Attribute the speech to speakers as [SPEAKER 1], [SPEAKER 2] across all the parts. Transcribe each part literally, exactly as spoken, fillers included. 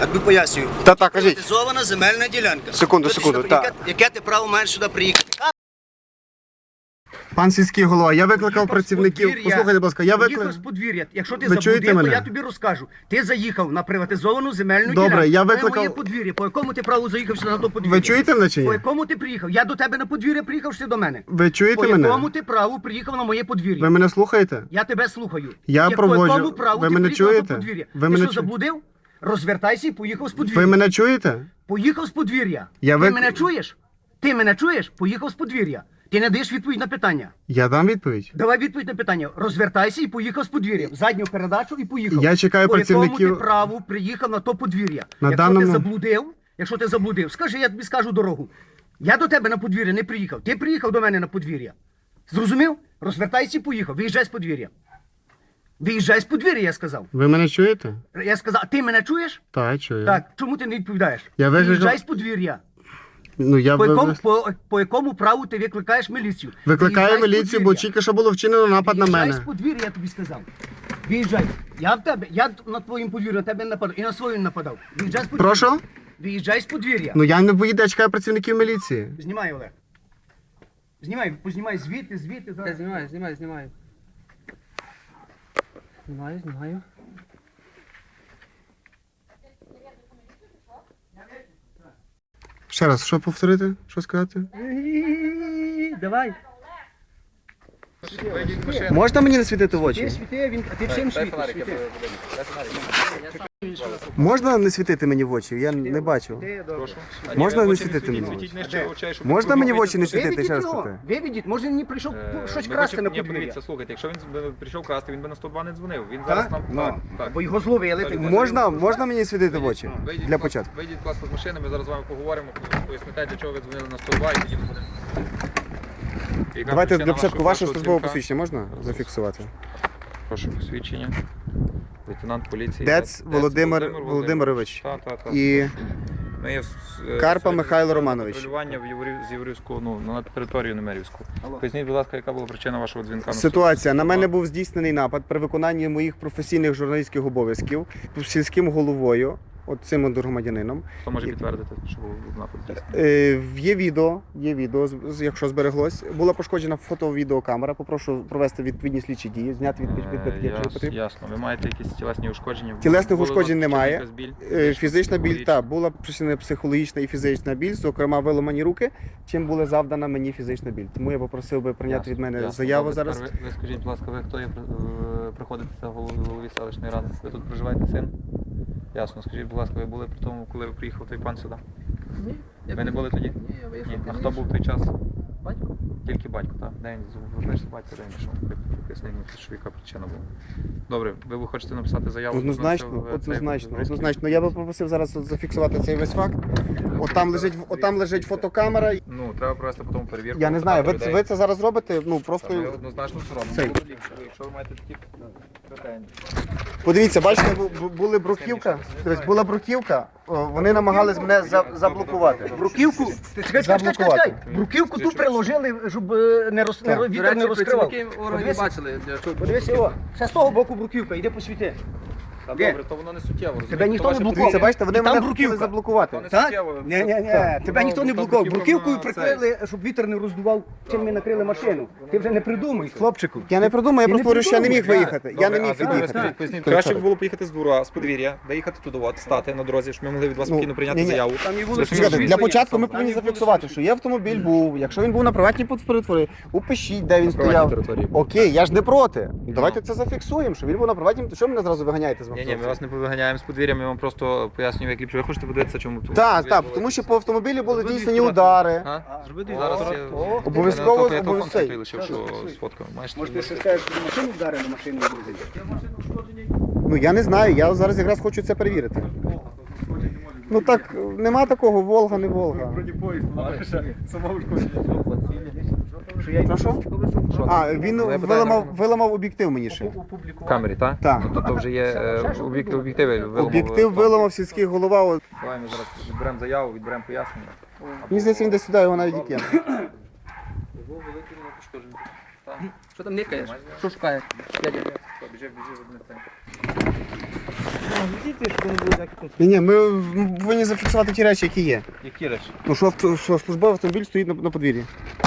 [SPEAKER 1] Я тобі пояснюю.
[SPEAKER 2] Та так, кажіть.
[SPEAKER 1] Приватизована земельна ділянка.
[SPEAKER 2] Секунду,
[SPEAKER 1] Що ти
[SPEAKER 2] секунду,
[SPEAKER 1] сюди-
[SPEAKER 2] так.
[SPEAKER 1] Яке, яке ти право маєш сюди приїхати?
[SPEAKER 2] Пан сільський голова, я викликав працівників. Послухайте, будь ласка, я
[SPEAKER 3] Поїхав
[SPEAKER 2] викликав.
[SPEAKER 3] з подвір'я. Якщо ти
[SPEAKER 2] Ви чуєте
[SPEAKER 3] заблудив, то
[SPEAKER 2] мене?
[SPEAKER 3] я тобі розкажу. Ти заїхав на приватизовану земельну
[SPEAKER 2] Добре,
[SPEAKER 3] ділянку.
[SPEAKER 2] я
[SPEAKER 3] Це
[SPEAKER 2] викликав-
[SPEAKER 3] моє подвір'я. По якому ти праву заїхав сюди на то подвір'я?
[SPEAKER 2] Ви чуєте мене чи ні?
[SPEAKER 3] По якому ти приїхав? Я до тебе на подвір'я приїхав, чи ти до мене?
[SPEAKER 2] Ви чуєте
[SPEAKER 3] По
[SPEAKER 2] мене?
[SPEAKER 3] якому ти праву приїхав на моє подвір'я?
[SPEAKER 2] Ви мене слухаєте?
[SPEAKER 3] Я тебе слухаю.
[SPEAKER 2] Я
[SPEAKER 3] Як
[SPEAKER 2] проводжу.
[SPEAKER 3] По якому праву
[SPEAKER 2] Ви
[SPEAKER 3] ти
[SPEAKER 2] мене
[SPEAKER 3] приїхав
[SPEAKER 2] чуєте?
[SPEAKER 3] на подвір'я?
[SPEAKER 2] Ви
[SPEAKER 3] ти
[SPEAKER 2] мене
[SPEAKER 3] що,
[SPEAKER 2] чу-
[SPEAKER 3] заблудив? Розвертайся і поїхав з подвір'я.
[SPEAKER 2] Ви мене чуєте?
[SPEAKER 3] Поїхав з подвір'я.
[SPEAKER 2] Я
[SPEAKER 3] Ти
[SPEAKER 2] вик-
[SPEAKER 3] мене чуєш? Ти мене чуєш? Поїхав з подвір'я. Ти не даєш відповідь на питання.
[SPEAKER 2] Я дам відповідь.
[SPEAKER 3] Давай відповідь на питання. Розвертайся і поїхав з подвір'я. В задню передачу і поїхав.
[SPEAKER 2] Я чекаю
[SPEAKER 3] По якому
[SPEAKER 2] працівників-
[SPEAKER 3] ти праву приїхав на то подвір'я.
[SPEAKER 2] На
[SPEAKER 3] якщо
[SPEAKER 2] даному-
[SPEAKER 3] ти заблудив, якщо ти заблудив, скажи, я тобі скажу дорогу. Я до тебе на подвір'я не приїхав. Ти приїхав до мене на подвір'я. Зрозумів? Розвертайся і поїхав. Виїжджай з подвір'я. Виїжджай з подвір'я, я сказав.
[SPEAKER 2] Ви мене чуєте?
[SPEAKER 3] Я сказав, ти мене чуєш?
[SPEAKER 2] Так, чую.
[SPEAKER 3] Так, чому ти не відповідаєш?
[SPEAKER 2] Я викликав-
[SPEAKER 3] Виїжджай з подвір'я.
[SPEAKER 2] Ну, я
[SPEAKER 3] По
[SPEAKER 2] ви-
[SPEAKER 3] якому,
[SPEAKER 2] ви-
[SPEAKER 3] по, по якому праву ти викликаєш міліцію?
[SPEAKER 2] викликаю
[SPEAKER 3] Виїжджай з
[SPEAKER 2] міліцію, бо
[SPEAKER 3] подвір'я.
[SPEAKER 2] тільки що було вчинено напад на
[SPEAKER 3] Виїжджай
[SPEAKER 2] мене.
[SPEAKER 3] з подвір'я, я тобі сказав. Виїжджай. Я в тебе, я на твоїм подвір'ю на тебе не нападав. І на свою не нападав. Виїжджай з подвір'я.
[SPEAKER 2] Прошу?
[SPEAKER 3] Виїжджай з подвір'я.
[SPEAKER 2] Ну я не поїду, я чекаю працівників міліції.
[SPEAKER 3] Знімай, Олег. Знімай, познімай звідти, звідти.
[SPEAKER 4] Я
[SPEAKER 3] Зараз.
[SPEAKER 4] знімаю, знімаю, знімаю. Знімаю, знімаю.
[SPEAKER 2] Ще раз, що повторити? Що сказати?
[SPEAKER 3] Давай.
[SPEAKER 2] Можна мені не світити в
[SPEAKER 3] Ти
[SPEAKER 2] очі?
[SPEAKER 3] світи, він, а ти всім світиш. світи.
[SPEAKER 2] Можна не світити мені в очі? Я не бачу.
[SPEAKER 3] Ти, добре.
[SPEAKER 2] Можна не світити мені в очі? Можна мені в очі не світити?
[SPEAKER 3] Виведіть
[SPEAKER 2] Ще раз
[SPEAKER 3] його,
[SPEAKER 2] питаю.
[SPEAKER 3] виведіть. Може він не прийшов
[SPEAKER 5] Е,
[SPEAKER 3] щось
[SPEAKER 5] ми
[SPEAKER 3] красти
[SPEAKER 5] хочемо-
[SPEAKER 3] на
[SPEAKER 5] Ні,
[SPEAKER 3] подвір'я.
[SPEAKER 5] подивіться, слухайте, якщо він би прийшов красти, він би на сто два не дзвонив. Він зараз
[SPEAKER 3] Так?
[SPEAKER 5] нам...
[SPEAKER 3] Ну,
[SPEAKER 5] Так, так.
[SPEAKER 3] бо його зловили. ти-
[SPEAKER 2] Можна, можна мені світити в очі?
[SPEAKER 5] Вийдіть,
[SPEAKER 2] Для
[SPEAKER 5] будь ласка,
[SPEAKER 2] початку.
[SPEAKER 5] Вийдіть, будь ласка, з машини, ми зараз з вами поговоримо, поясните, для чого ви дзвонили на сто два і тоді ми будемо... Яка
[SPEAKER 2] Давайте
[SPEAKER 5] причина
[SPEAKER 2] для початку
[SPEAKER 5] вашого-
[SPEAKER 2] ваше
[SPEAKER 5] вашого
[SPEAKER 2] службове
[SPEAKER 5] дзвінка?
[SPEAKER 2] посвідчення можна зафіксувати?
[SPEAKER 5] Прошу посвідчення. Лейтенант поліції.
[SPEAKER 2] Дец Володимир Володимирович.
[SPEAKER 5] Так, так, так.
[SPEAKER 2] І
[SPEAKER 5] Ми є в- е,
[SPEAKER 2] Карпа
[SPEAKER 5] серед-
[SPEAKER 2] Михайло Романович.
[SPEAKER 5] Патрулювання в Єврі- з Єврівського, ну, на територію Немерівську. Поясніть, будь ласка, яка була причина вашого дзвінка? на
[SPEAKER 2] ситуація. На
[SPEAKER 5] сто
[SPEAKER 2] мене
[SPEAKER 5] два?
[SPEAKER 2] був здійснений напад при виконанні моїх професійних журналістських обов'язків сільським головою, от цим от громадянином.
[SPEAKER 5] Хто може підтвердити, що був напад здійснений?
[SPEAKER 2] Е, Є відео, є відео, з- з- якщо збереглось. Була пошкоджена фото-відеокамера. Попрошу провести відповідні слідчі дії, зняти відбитки,
[SPEAKER 5] Е,
[SPEAKER 2] якщо
[SPEAKER 5] яс-
[SPEAKER 2] потрібно.
[SPEAKER 5] Ясно. Ви маєте якісь тілесні ушкодження?
[SPEAKER 2] Тілесних
[SPEAKER 5] Була у вас
[SPEAKER 2] ушкоджень
[SPEAKER 5] причина
[SPEAKER 2] немає.
[SPEAKER 5] якась біль?
[SPEAKER 2] Е, Фізична біль,
[SPEAKER 5] психологічна?
[SPEAKER 2] так, була причинена психологічна і фізична біль, зокрема виламані руки, чим була завдана мені фізична біль. Тому я попросив би прийняти
[SPEAKER 5] Ясно,
[SPEAKER 2] від мене
[SPEAKER 5] ясно.
[SPEAKER 2] заяву
[SPEAKER 5] Добре,
[SPEAKER 2] зараз.
[SPEAKER 5] тепер Ви, ви скажіть, будь ласка, ви хто є, е, приходите в голові, голові селищної ради? Ви тут проживаєте син? Ясно. Скажіть, будь ласка, ви були при тому, коли ви приїхав той пан сюди?
[SPEAKER 4] Ні. я
[SPEAKER 5] Ви не були тоді?
[SPEAKER 4] Ні, я виїхав.
[SPEAKER 5] Ні. А
[SPEAKER 4] пізніше.
[SPEAKER 5] хто був в той час?
[SPEAKER 4] Батько.
[SPEAKER 5] Тільки батько, так? Де він? Вибачте, батько, де він пішов? Поясніть мені, що яка причина була. Добре, ви, ви хочете написати заяву?
[SPEAKER 2] Однозначно,
[SPEAKER 5] на це, в цей
[SPEAKER 2] однозначно,
[SPEAKER 5] поліцейський?
[SPEAKER 2] однозначно. Я би попросив зараз от зафіксувати цей весь факт. От там лежить, от там лежить фотокамера.
[SPEAKER 5] Ну, треба провести потім перевірку.
[SPEAKER 2] Я не знаю, ви,
[SPEAKER 5] питати
[SPEAKER 2] ви
[SPEAKER 5] людей.
[SPEAKER 2] це зараз робите? Ну
[SPEAKER 5] Та ми
[SPEAKER 2] просто
[SPEAKER 5] однозначно все робимо.
[SPEAKER 2] Цей.
[SPEAKER 5] Було ліпше, якщо ви маєте такі претензії.
[SPEAKER 2] подивіться, бачите, бу- бу- були бруківка. Дивись, була бруківка. о, Вони намагались мене за- заблокувати.
[SPEAKER 3] Бруківку, ти чекай, чекай, чекай, чекай. Бруківку тут приложили, щоб е, не роз, не,
[SPEAKER 2] Так.
[SPEAKER 3] роз-
[SPEAKER 4] До
[SPEAKER 3] вітер
[SPEAKER 4] речі,
[SPEAKER 3] не розкривав.
[SPEAKER 4] працівники органів
[SPEAKER 3] Подивись,
[SPEAKER 4] бачили. для чого-
[SPEAKER 3] подивись його. Ще з того боку бруківка, йди посвіти.
[SPEAKER 5] Та
[SPEAKER 3] Де?
[SPEAKER 5] добре, то воно не суттєво. розумієте?
[SPEAKER 3] Тебе ніхто
[SPEAKER 5] То
[SPEAKER 3] не
[SPEAKER 5] ваше
[SPEAKER 3] блокував.
[SPEAKER 2] Дивіться, бачите, вони
[SPEAKER 3] І там
[SPEAKER 2] мене
[SPEAKER 3] бруківка.
[SPEAKER 2] хотіли заблокувати.
[SPEAKER 5] не
[SPEAKER 3] Так?
[SPEAKER 5] суттєво.
[SPEAKER 3] Ні, ні, ні,
[SPEAKER 5] Так.
[SPEAKER 3] тебе
[SPEAKER 5] Ну,
[SPEAKER 3] ніхто не
[SPEAKER 5] там
[SPEAKER 3] блокував.
[SPEAKER 5] бруківка
[SPEAKER 3] Бруківкою
[SPEAKER 5] на
[SPEAKER 3] прикрили, щоб вітер не роздував, чим ми накрили машину. Ти вже не придумай, хлопчику.
[SPEAKER 2] Я не придумав, я
[SPEAKER 3] Ти
[SPEAKER 2] просто
[SPEAKER 3] не
[SPEAKER 2] говорю, що я не міг
[SPEAKER 3] придумуй,
[SPEAKER 2] виїхати. Я не
[SPEAKER 5] Добре,
[SPEAKER 2] міг
[SPEAKER 5] а тепер ви
[SPEAKER 2] від'їхати.
[SPEAKER 5] скажіть, поясніть, краще б було поїхати з двора, з подвір'я, доїхати туди, от, стати на дорозі, щоб ми могли від вас
[SPEAKER 2] Ну,
[SPEAKER 5] спокійно прийняти
[SPEAKER 2] ні-ні.
[SPEAKER 5] заяву.
[SPEAKER 3] Там і
[SPEAKER 5] Ви
[SPEAKER 3] вулиця.
[SPEAKER 5] самі
[SPEAKER 2] Чекайте,
[SPEAKER 5] ж
[SPEAKER 2] для
[SPEAKER 5] відповіли,
[SPEAKER 2] початку ми
[SPEAKER 5] там
[SPEAKER 2] повинні
[SPEAKER 5] є
[SPEAKER 2] зафіксувати, що є автомобіль був. Якщо він був на приватній території, упишіть, де він
[SPEAKER 5] приватній
[SPEAKER 2] стояв.
[SPEAKER 5] території був.
[SPEAKER 2] Окей, я ж не проти. Давайте це зафіксуємо, що він був на приватній. Що ви мене зразу виганяєте з
[SPEAKER 5] Ні, ні, ми
[SPEAKER 2] автобуса?
[SPEAKER 5] вас не повиганяємо з подвір'я, ми вам просто пояснюємо, як ліпше. Ви хочете подивитися, чому тут?
[SPEAKER 2] Так, так, тому що по автомобілі були
[SPEAKER 4] Зроби
[SPEAKER 2] здійснені
[SPEAKER 4] фотографію.
[SPEAKER 2] удари.
[SPEAKER 5] А?
[SPEAKER 4] Зроби
[SPEAKER 5] Зараз
[SPEAKER 4] дві
[SPEAKER 5] я...
[SPEAKER 3] О,
[SPEAKER 2] обов'язково,
[SPEAKER 5] Я телефон
[SPEAKER 2] обов'язково.
[SPEAKER 5] такий лишив, що з фоткою. Маєш?
[SPEAKER 3] Може ти ще скажеш, що машину вдарили, машину вдарили.
[SPEAKER 2] Ну я не знаю, я зараз якраз хочу це перевірити. Ну так, нема такого, Волга, не Волга. Прошу? А, він
[SPEAKER 5] Ну, я питаю,
[SPEAKER 2] виламав,
[SPEAKER 5] ну.
[SPEAKER 2] виламав об'єктив мені ще.
[SPEAKER 5] В камері, так?
[SPEAKER 2] Так.
[SPEAKER 5] Ну, тобто вже є е, об'єкти- об'єктиви. виламав.
[SPEAKER 2] Об'єктив виламав сільський голова. От.
[SPEAKER 5] Давай ми зараз відберемо заяву, відберемо пояснення.
[SPEAKER 2] Мені здається, він десь сюди його навіть і кинув.
[SPEAKER 4] Що там никаєш? Що шукаєш? Дядя.
[SPEAKER 5] Біжи, біжи, одне це.
[SPEAKER 2] Ні, ні, ми повинні зафіксувати ті речі, які є.
[SPEAKER 5] Які речі?
[SPEAKER 2] Ну що, авто- що службовий автомобіль стоїть на, на подвір'ї.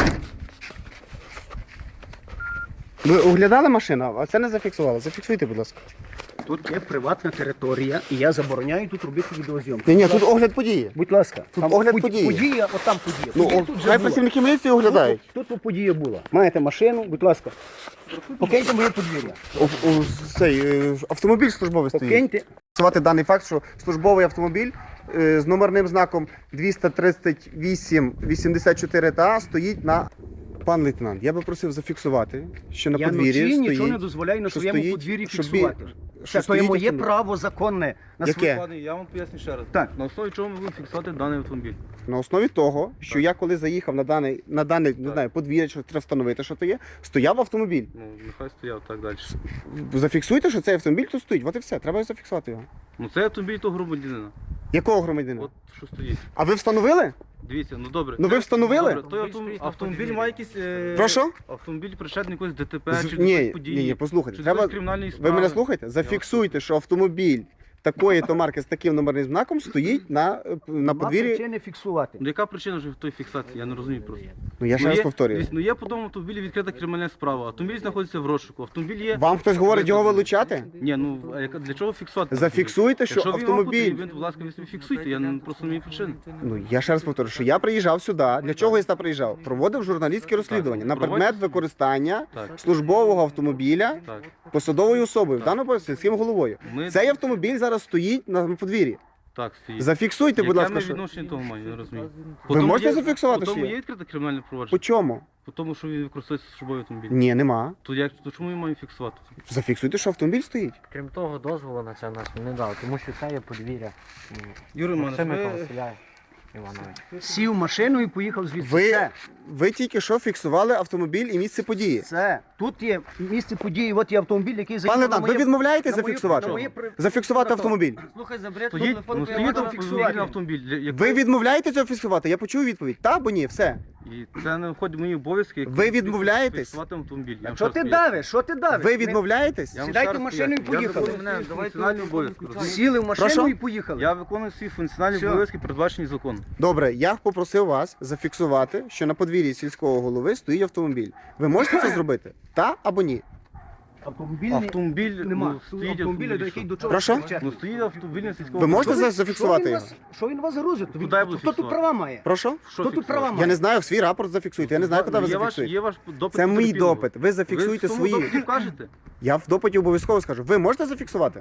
[SPEAKER 2] Ви оглядали машину, а це не зафіксували. Зафіксуйте, будь ласка.
[SPEAKER 3] Тут є приватна територія, і я забороняю тут робити відеозйомку.
[SPEAKER 2] Ні, ні, тут огляд події.
[SPEAKER 3] Будь ласка,
[SPEAKER 2] Тут
[SPEAKER 3] там
[SPEAKER 2] огляд
[SPEAKER 3] под-
[SPEAKER 2] події.
[SPEAKER 3] Подія, от там подія.
[SPEAKER 2] Ну,
[SPEAKER 3] Подія
[SPEAKER 2] о,
[SPEAKER 3] тут вже
[SPEAKER 2] хай
[SPEAKER 3] була.
[SPEAKER 2] працівники міліції оглядають.
[SPEAKER 3] Тут, тут подія була. Маєте машину, будь ласка. Покиньте моє подвір'я.
[SPEAKER 2] О, о, цей, е, автомобіль службовий стоїть.
[SPEAKER 3] Покиньте.
[SPEAKER 2] Фіксувати даний факт, що службовий автомобіль е, з номерним знаком двісті тридцять вісім вісімдесят чотири Т А стоїть на... Пан лейтенант, я би просив зафіксувати, що на
[SPEAKER 3] Я
[SPEAKER 2] подвір'ї
[SPEAKER 3] вночі
[SPEAKER 2] стоїть...
[SPEAKER 3] нічого не дозволяю на
[SPEAKER 2] що
[SPEAKER 3] своєму
[SPEAKER 2] стоїть,
[SPEAKER 3] подвір'ї
[SPEAKER 2] щоб
[SPEAKER 3] фіксувати.
[SPEAKER 2] бі-
[SPEAKER 3] Це
[SPEAKER 2] що
[SPEAKER 3] то є
[SPEAKER 2] стоїть
[SPEAKER 3] моє
[SPEAKER 2] автомобіль.
[SPEAKER 3] право законне. На
[SPEAKER 2] Яке?
[SPEAKER 3] своє-
[SPEAKER 5] Пане, я вам поясню ще раз.
[SPEAKER 3] Так.
[SPEAKER 5] На основі чого ми будемо фіксувати даний автомобіль?
[SPEAKER 2] На основі того, що я коли заїхав на даний, на дане, не знаю, подвір'я, що треба встановити, що то є, стояв автомобіль.
[SPEAKER 5] Ну, нехай стояв так далі.
[SPEAKER 2] Зафіксуйте, що цей автомобіль тут стоїть. От і все, треба зафіксувати його.
[SPEAKER 5] Ну це автомобіль того громадянина.
[SPEAKER 2] Якого громадянина?
[SPEAKER 5] От що стоїть.
[SPEAKER 2] А ви встановили?
[SPEAKER 5] Дивіться, ну добре.
[SPEAKER 2] Ну ви встановили?
[SPEAKER 5] Добре, той автомобіль, автомобіль має якісь... Е...
[SPEAKER 2] Прошу?
[SPEAKER 5] Автомобіль причетний якось ДТП
[SPEAKER 2] З-
[SPEAKER 5] чи до
[SPEAKER 2] ні,
[SPEAKER 5] якоїсь події.
[SPEAKER 2] ні, ні, послухайте.
[SPEAKER 5] Чи
[SPEAKER 2] Треба...
[SPEAKER 5] до якоїсь кримінальної
[SPEAKER 2] Ви
[SPEAKER 5] справи.
[SPEAKER 2] мене слухаєте? Зафіксуйте, що автомобіль такої то марки з таким номерним знаком стоїть на, на
[SPEAKER 3] Нема
[SPEAKER 2] подвір'ї.
[SPEAKER 3] причини фіксувати.
[SPEAKER 5] Ну яка причина вже в той фіксації? Я не розумію просто.
[SPEAKER 2] Ну я ще
[SPEAKER 5] Ну,
[SPEAKER 2] раз
[SPEAKER 5] є-
[SPEAKER 2] повторюю.
[SPEAKER 5] дивіться, Ну є по тому автомобілі відкрита кримінальна справа. Автомобіль знаходиться в розшуку. Автомобіль є...
[SPEAKER 2] Вам хтось говорить його вилучати?
[SPEAKER 5] Ні, ну а яка- для чого фіксувати?
[SPEAKER 2] Зафіксуйте, що
[SPEAKER 5] Якщо він вам
[SPEAKER 2] автомобіль.
[SPEAKER 5] потрібен, будь ласка, ви собі фіксуйте, я не- просто не маю причини.
[SPEAKER 2] Ну я ще раз повторюю, що я приїжджав сюди. Для чого я сюди приїжджав? Проводив журналістське розслідування на
[SPEAKER 5] Проводять-
[SPEAKER 2] предмет використання
[SPEAKER 5] Так.
[SPEAKER 2] службового автомобіля
[SPEAKER 5] Так.
[SPEAKER 2] посадовою особою, в даному випадку сільським головою.
[SPEAKER 5] Ми-
[SPEAKER 2] Цей автомобіль зараз стоїть на подвір'ї.
[SPEAKER 5] Так, стоїть.
[SPEAKER 2] Зафіксуйте, будь
[SPEAKER 5] Яке
[SPEAKER 2] ласка,
[SPEAKER 5] ми
[SPEAKER 2] що
[SPEAKER 5] відношення того маю, я не розумію.
[SPEAKER 2] Ви можете зафіксувати,
[SPEAKER 5] По
[SPEAKER 2] що
[SPEAKER 5] тому
[SPEAKER 2] є?
[SPEAKER 5] є відкрите кримінальне
[SPEAKER 2] по
[SPEAKER 5] провадження?
[SPEAKER 2] чому?
[SPEAKER 5] По тому, що він використовується службовий автомобіль.
[SPEAKER 2] Ні, нема.
[SPEAKER 5] То як то чому ми маємо фіксувати?
[SPEAKER 2] Зафіксуйте, що автомобіль стоїть.
[SPEAKER 4] Крім того, дозволу на це нас не дав, тому що це є подвір'я.
[SPEAKER 5] Юрій
[SPEAKER 4] Максима
[SPEAKER 5] ви...
[SPEAKER 4] Василя Іванович.
[SPEAKER 3] Сів в машину і поїхав звідси.
[SPEAKER 2] Ви,
[SPEAKER 3] Все.
[SPEAKER 2] ви тільки що фіксували автомобіль і місце події.
[SPEAKER 3] Все. Тут є місце події, от є автомобіль, який заїхав
[SPEAKER 2] Пане
[SPEAKER 3] на
[SPEAKER 2] лейтенант, ви
[SPEAKER 3] моє...
[SPEAKER 2] відмовляєтеся
[SPEAKER 3] на моє-
[SPEAKER 2] зафіксувати?
[SPEAKER 3] на моє при-
[SPEAKER 2] Зафіксувати
[SPEAKER 3] Прокурор.
[SPEAKER 2] автомобіль.
[SPEAKER 4] Слухай, забери
[SPEAKER 5] Стоїть, ну, стоїть
[SPEAKER 3] можу
[SPEAKER 5] автомобіль,
[SPEAKER 3] фіксувати.
[SPEAKER 5] автомобіль. для- як-
[SPEAKER 2] Ви відмовляєтеся зафіксувати? Я почув відповідь. Та або ні, все.
[SPEAKER 5] І це не входить в мої обов'язки. як
[SPEAKER 2] Ви відмовляєтесь?
[SPEAKER 5] Фіксувати автомобіль. Я вам
[SPEAKER 3] Що
[SPEAKER 5] ще
[SPEAKER 3] ти
[SPEAKER 5] раз поясню.
[SPEAKER 3] давиш? Що ти давиш?
[SPEAKER 2] Ви відмовляєтесь?
[SPEAKER 5] Я вам
[SPEAKER 3] Сідайте
[SPEAKER 5] ще раз
[SPEAKER 3] в машину і
[SPEAKER 5] поясню. Я
[SPEAKER 3] поїхали.
[SPEAKER 5] виконую мене, давайте функціональні обов'язки. розумієте?
[SPEAKER 3] Сіли в машину
[SPEAKER 2] Прошу?
[SPEAKER 3] і поїхали.
[SPEAKER 5] Я виконую свої функціональні
[SPEAKER 3] Все.
[SPEAKER 5] обов'язки, передбачені законом.
[SPEAKER 2] Добре, я попросив вас зафіксувати, що на подвір'ї сільського голови стоїть автомобіль. Ви можете це зробити? Та або ні?
[SPEAKER 3] Автомобіль
[SPEAKER 5] Автомобіль
[SPEAKER 3] нема.
[SPEAKER 5] ну, стоїть
[SPEAKER 3] Автомобіля, до
[SPEAKER 5] автомобіль,
[SPEAKER 3] який
[SPEAKER 5] що?
[SPEAKER 3] до чого
[SPEAKER 2] Прошу?
[SPEAKER 3] причетний.
[SPEAKER 5] Ну стоїть автомобіль на сільському.
[SPEAKER 2] Ви можете
[SPEAKER 3] Що
[SPEAKER 2] за-
[SPEAKER 3] він-
[SPEAKER 2] зафіксувати
[SPEAKER 3] що він
[SPEAKER 2] його?
[SPEAKER 3] вас- Що він вас грузить?
[SPEAKER 5] Куди я буду
[SPEAKER 3] Хто тут
[SPEAKER 5] фіксувати?
[SPEAKER 3] права має?
[SPEAKER 2] Прошу?
[SPEAKER 5] Що
[SPEAKER 3] Хто тут
[SPEAKER 5] фіксувати?
[SPEAKER 3] права має?
[SPEAKER 2] Я не знаю, свій рапорт зафіксуйте. Я не знаю, куди ви
[SPEAKER 5] Є ваш,
[SPEAKER 2] зафіксуєте.
[SPEAKER 5] є ваш допит
[SPEAKER 2] Це мій
[SPEAKER 5] потерпілого.
[SPEAKER 2] допит. Ви зафіксуйте
[SPEAKER 5] Ви в тому
[SPEAKER 2] свої.
[SPEAKER 5] допиті вкажете?
[SPEAKER 2] Я в допиті обов'язково скажу. Ви можете зафіксувати?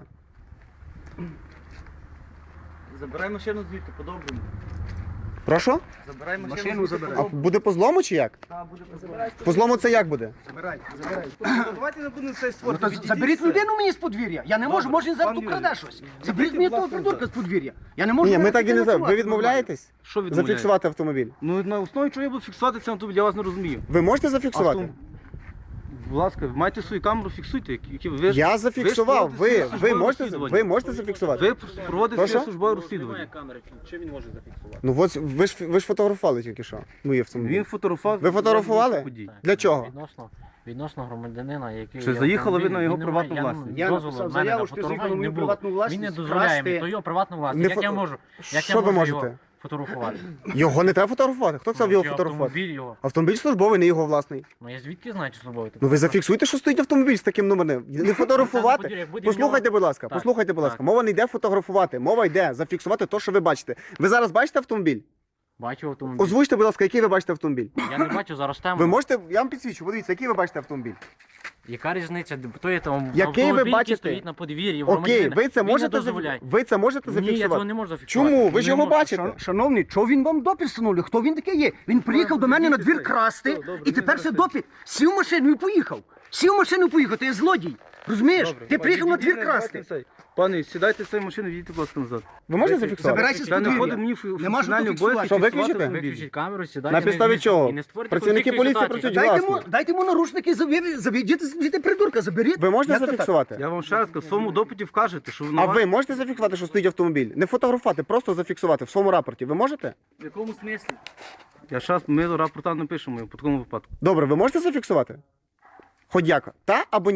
[SPEAKER 5] Забирай машину звідти, по-доброму.
[SPEAKER 2] Прошу?
[SPEAKER 5] Забирай
[SPEAKER 3] Машину забирай.
[SPEAKER 2] А буде по злому чи як? По злому це як буде?
[SPEAKER 3] Забирай, забирай.
[SPEAKER 5] Давайте не будемо це
[SPEAKER 3] Ну,
[SPEAKER 5] створювати.
[SPEAKER 3] то заберіть людину мені з подвір'я. Я не можу,
[SPEAKER 5] Добре,
[SPEAKER 3] може він зараз
[SPEAKER 5] пан
[SPEAKER 3] тут краде
[SPEAKER 5] Юрій.
[SPEAKER 3] щось. Заберіть мені того придурка з подвір'я. Я не можу.
[SPEAKER 2] Ні, ми
[SPEAKER 3] зараз
[SPEAKER 2] так і не
[SPEAKER 3] таке
[SPEAKER 2] знаємо. Ви
[SPEAKER 3] ночувати.
[SPEAKER 2] відмовляєтесь
[SPEAKER 5] Що відмовляєте?
[SPEAKER 2] зафіксувати автомобіль?
[SPEAKER 5] Ну на основі чого я буду фіксувати цей автомобіль, я вас не розумію.
[SPEAKER 2] Ви можете зафіксувати?
[SPEAKER 5] Автом- Будь ласка, маєте свою камеру, фіксуйте. які- які ви ж-
[SPEAKER 2] Я
[SPEAKER 5] ви
[SPEAKER 2] зафіксував.
[SPEAKER 5] ж
[SPEAKER 2] Ви,
[SPEAKER 5] проводите
[SPEAKER 2] ви,
[SPEAKER 5] службове
[SPEAKER 2] можете,
[SPEAKER 5] розслідування.
[SPEAKER 2] ви можете зафіксувати?
[SPEAKER 5] Ви проводите
[SPEAKER 2] Прошу?
[SPEAKER 5] своє службове розслідування.
[SPEAKER 2] Ну от ви ж ви ж фотографували тільки що. Мої автомобілі.
[SPEAKER 5] Він фотографував.
[SPEAKER 2] Ви фотографували?
[SPEAKER 5] подій.
[SPEAKER 2] Для чого?
[SPEAKER 4] Відносно, відносно громадянина, який...
[SPEAKER 5] Чи
[SPEAKER 4] є
[SPEAKER 5] заїхала ви
[SPEAKER 4] автомобіль,
[SPEAKER 5] на його
[SPEAKER 4] він не
[SPEAKER 5] приватну
[SPEAKER 4] має-
[SPEAKER 5] власність?
[SPEAKER 3] Я
[SPEAKER 4] дозволу
[SPEAKER 3] написав
[SPEAKER 4] в мене
[SPEAKER 3] заяву,
[SPEAKER 4] на
[SPEAKER 3] що ти
[SPEAKER 4] фотографування
[SPEAKER 3] заїхав на мою
[SPEAKER 4] не було.
[SPEAKER 3] приватну власність,
[SPEAKER 4] Він не дозволяє
[SPEAKER 3] красти.
[SPEAKER 4] мені, то його приватну
[SPEAKER 2] Не
[SPEAKER 4] власність. Як
[SPEAKER 2] фото-
[SPEAKER 4] я можу? Як
[SPEAKER 2] Що
[SPEAKER 4] я
[SPEAKER 2] ви
[SPEAKER 4] можу
[SPEAKER 2] можете?
[SPEAKER 4] його фотографувати?
[SPEAKER 2] Його не треба фотографувати. Хто сказав його
[SPEAKER 4] Чи
[SPEAKER 2] фотографувати?
[SPEAKER 4] автомобіль його?
[SPEAKER 2] Автомобіль службовий, не його власний.
[SPEAKER 4] Ну я звідки знаю, чи службовий?
[SPEAKER 2] Ну ви зафіксуйте, що стоїть автомобіль з таким номером. Не
[SPEAKER 4] Як
[SPEAKER 2] фотографувати.
[SPEAKER 4] буде
[SPEAKER 2] Послухайте, будь ласка,
[SPEAKER 4] Так,
[SPEAKER 2] послухайте, будь ласка.
[SPEAKER 4] так.
[SPEAKER 2] Мова не йде фотографувати. Мова йде зафіксувати те, що ви бачите. Ви зараз бачите автомобіль?
[SPEAKER 4] Бачу автомобіль.
[SPEAKER 2] Озвучте, будь ласка, який ви бачите автомобіль.
[SPEAKER 4] Я не бачу зараз тему.
[SPEAKER 2] Ви можете, я вам підсвічу, подивіться, який ви бачите автомобіль.
[SPEAKER 4] Яка різниця? То є там
[SPEAKER 2] Який ви
[SPEAKER 4] автомобіль,
[SPEAKER 2] бачите?
[SPEAKER 4] який стоїть на подвір'ї. в
[SPEAKER 2] Окей,
[SPEAKER 4] громадянина.
[SPEAKER 2] ви це
[SPEAKER 4] Він не
[SPEAKER 2] можете
[SPEAKER 4] дозволяє.
[SPEAKER 2] зафі- ви це можете
[SPEAKER 4] Ні, я цього
[SPEAKER 2] зафіксувати?
[SPEAKER 4] не можу зафіксувати.
[SPEAKER 2] Чому? Ви ж
[SPEAKER 4] Не
[SPEAKER 2] його
[SPEAKER 4] можу.
[SPEAKER 2] бачите.
[SPEAKER 3] Шан- Шановний, чого він вам допит встановлює? Хто він такий є? Він приїхав до мене на двір красти,
[SPEAKER 5] Все, добре,
[SPEAKER 3] і тепер
[SPEAKER 5] не
[SPEAKER 3] це
[SPEAKER 5] розказуй.
[SPEAKER 3] допит. Сів в машину і поїхав. Сів в машину і поїхав, ти є злодій. Розумієш?
[SPEAKER 5] Добре,
[SPEAKER 3] Ти приїхав на
[SPEAKER 5] пане,
[SPEAKER 3] двір
[SPEAKER 5] давайте
[SPEAKER 3] красти.
[SPEAKER 5] цей. Пане, сідайте з цієї машини, їдьте, будь ласка, назад.
[SPEAKER 2] Ви можете
[SPEAKER 5] Виключіть.
[SPEAKER 2] зафіксувати?
[SPEAKER 3] Забирайся з
[SPEAKER 5] Це не
[SPEAKER 3] подвір'я.
[SPEAKER 5] входить мені в
[SPEAKER 3] Нема що
[SPEAKER 5] функціональні
[SPEAKER 3] тут
[SPEAKER 5] обов'язки.
[SPEAKER 2] Що,
[SPEAKER 5] фіксувати
[SPEAKER 2] виключите?
[SPEAKER 5] автомобіль.
[SPEAKER 4] Виключіть камеру, сідайте.
[SPEAKER 2] На підставі
[SPEAKER 4] не-
[SPEAKER 2] чого?
[SPEAKER 4] І не створюйте
[SPEAKER 2] Працівники
[SPEAKER 4] конфліктної
[SPEAKER 2] поліції
[SPEAKER 4] ситуації.
[SPEAKER 2] працюють
[SPEAKER 3] Дайте
[SPEAKER 2] власно.
[SPEAKER 3] йому, дайте йому наручники, заві- заведіть звідти придурка, заберіть.
[SPEAKER 2] Ви можете
[SPEAKER 3] Як то так?
[SPEAKER 2] зафіксувати?
[SPEAKER 5] Я вам ще раз кажу, в своєму допиті вкажете, що
[SPEAKER 2] А ви можете зафіксувати, що стоїть автомобіль? Не фотографувати, просто зафіксувати в своєму рапорті. Ви можете?
[SPEAKER 4] В якому смислі?
[SPEAKER 5] Я зараз, ми рапорта напишемо по такому випадку.
[SPEAKER 2] Добре, ви можете зафіксувати? Хоч як? Та або ні?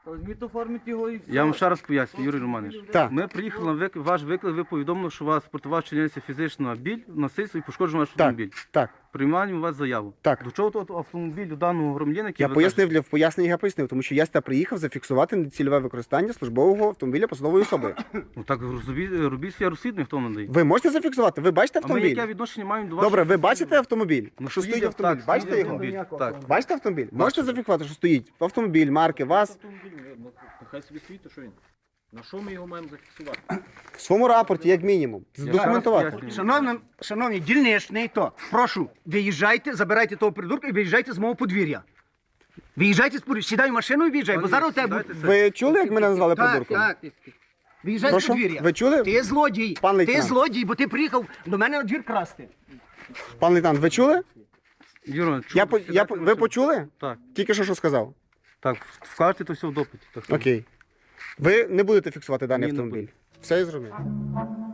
[SPEAKER 6] Візьміть оформіть його і все.
[SPEAKER 7] Я вам ще раз поясню, Юрій Романович.
[SPEAKER 2] Так.
[SPEAKER 7] Ми приїхали на вик... ваш виклик, ви повідомили, що у вас спортова чиниться фізична біль, насильство і пошкоджено ваш
[SPEAKER 2] Так,
[SPEAKER 7] автомобіль.
[SPEAKER 2] так.
[SPEAKER 7] Приймаємо у вас заяву.
[SPEAKER 2] Так.
[SPEAKER 7] До чого тут автомобіль у даного громадянина, який
[SPEAKER 2] Я
[SPEAKER 7] ви
[SPEAKER 2] пояснив для в поясненні, я пояснив, тому що я сюди приїхав зафіксувати нецільове використання службового автомобіля посадової особи.
[SPEAKER 7] кажете? Ну так робіть, робіть своє розслідування, хто надає.
[SPEAKER 2] Ви можете зафіксувати? Ви бачите
[SPEAKER 7] А ми
[SPEAKER 2] автомобіль?
[SPEAKER 7] яке відношення маємо до вашого?
[SPEAKER 2] Добре, ви бачите автомобіль?
[SPEAKER 7] Ну,
[SPEAKER 2] що стоїть
[SPEAKER 7] стоїть,
[SPEAKER 2] автомобіль?
[SPEAKER 7] так,
[SPEAKER 2] Бачите
[SPEAKER 7] стоїть
[SPEAKER 2] його?
[SPEAKER 7] автомобіль. Так.
[SPEAKER 2] Бачите автомобіль? Можете зафіксувати, що стоїть автомобіль, марки, вас.
[SPEAKER 6] Хай собі стоїть, то що він? На що ми його маємо зафіксувати?
[SPEAKER 2] В своєму рапорті, як мінімум, здокументувати.
[SPEAKER 7] пояснюю.
[SPEAKER 3] Шановні, шановні, дільничний, то прошу, виїжджайте, забирайте того придурка і виїжджайте з мого подвір'я. Виїжджайте з подвір'я, сідай в машину і виїжджай, бо зараз у тебе буде...
[SPEAKER 2] Ви чули, як мене назвали
[SPEAKER 3] Так,
[SPEAKER 2] придурком?
[SPEAKER 3] так. Виїжджай з
[SPEAKER 2] Прошу?
[SPEAKER 3] подвір'я.
[SPEAKER 2] Ви чули?
[SPEAKER 3] Ти злодій.
[SPEAKER 2] Пан
[SPEAKER 3] Ти
[SPEAKER 2] лейтенант.
[SPEAKER 3] злодій, бо ти приїхав до мене на двір красти.
[SPEAKER 2] Пан лейтенант, ви чули?
[SPEAKER 7] Юра,
[SPEAKER 2] Я, по- я, по- ви почули?
[SPEAKER 7] Так,
[SPEAKER 2] Тільки що що сказав?
[SPEAKER 7] так, вкажете то все в допиті. Так,
[SPEAKER 2] Окей. Ви не будете фіксувати даний
[SPEAKER 7] Ні, не
[SPEAKER 2] автомобіль. Все я зрозумів.